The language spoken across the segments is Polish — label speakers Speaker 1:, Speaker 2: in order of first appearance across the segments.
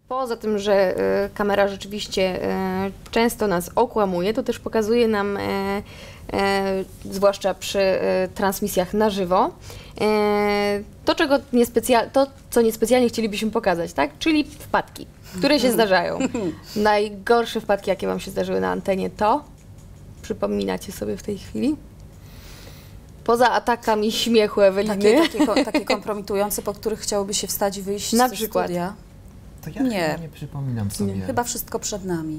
Speaker 1: Poza tym, że kamera rzeczywiście często nas okłamuje, to też pokazuje nam, zwłaszcza przy transmisjach na żywo, to, co niespecjalnie chcielibyśmy pokazać, tak? Czyli wpadki, które się zdarzają. Najgorsze wpadki, jakie Wam się zdarzyły na antenie, to przypominacie sobie w tej chwili? Poza atakami śmiechu Eweliny.
Speaker 2: Takie kompromitujące, po których chciałoby się wstać i wyjść
Speaker 1: na
Speaker 2: ze
Speaker 1: przykład.
Speaker 2: studia.
Speaker 3: To ja nie przypominam sobie.
Speaker 2: Chyba wszystko przed nami.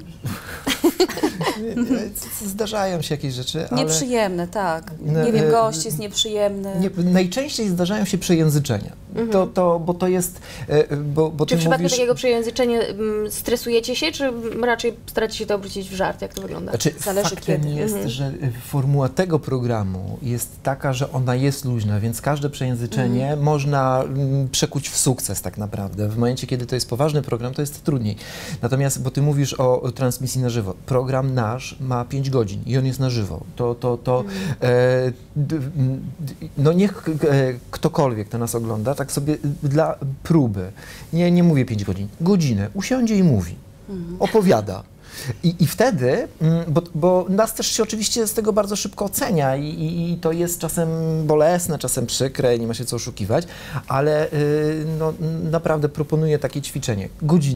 Speaker 3: Zdarzają się jakieś rzeczy, ale...
Speaker 2: Nieprzyjemne, tak. Nie wiem, gość jest nieprzyjemny.
Speaker 3: Najczęściej zdarzają się przejęzyczenia. Bo to jest...
Speaker 1: Czy w przypadku takiego przejęzyczenia stresujecie się, czy raczej staracie się to obrócić w żart? Jak to wygląda?
Speaker 3: Znaczy,
Speaker 2: Zależy
Speaker 3: faktem
Speaker 2: kiedy.
Speaker 3: jest, że formuła tego programu jest taka, że ona jest luźna, więc każde przejęzyczenie można przekuć w sukces tak naprawdę. W momencie, kiedy to jest poważny program, to jest trudniej. Natomiast, bo ty mówisz o transmisji na żywo. Program nasz ma 5 godzin i on jest na żywo. No niech ktokolwiek, kto nas ogląda, tak sobie dla próby, nie mówię 5 godzin, godzinę, usiądzie i mówi, opowiada. I wtedy, bo nas też się oczywiście z tego bardzo szybko ocenia i to jest czasem bolesne, czasem przykre, nie ma się co oszukiwać, ale no, naprawdę proponuję takie ćwiczenie. Godzinę.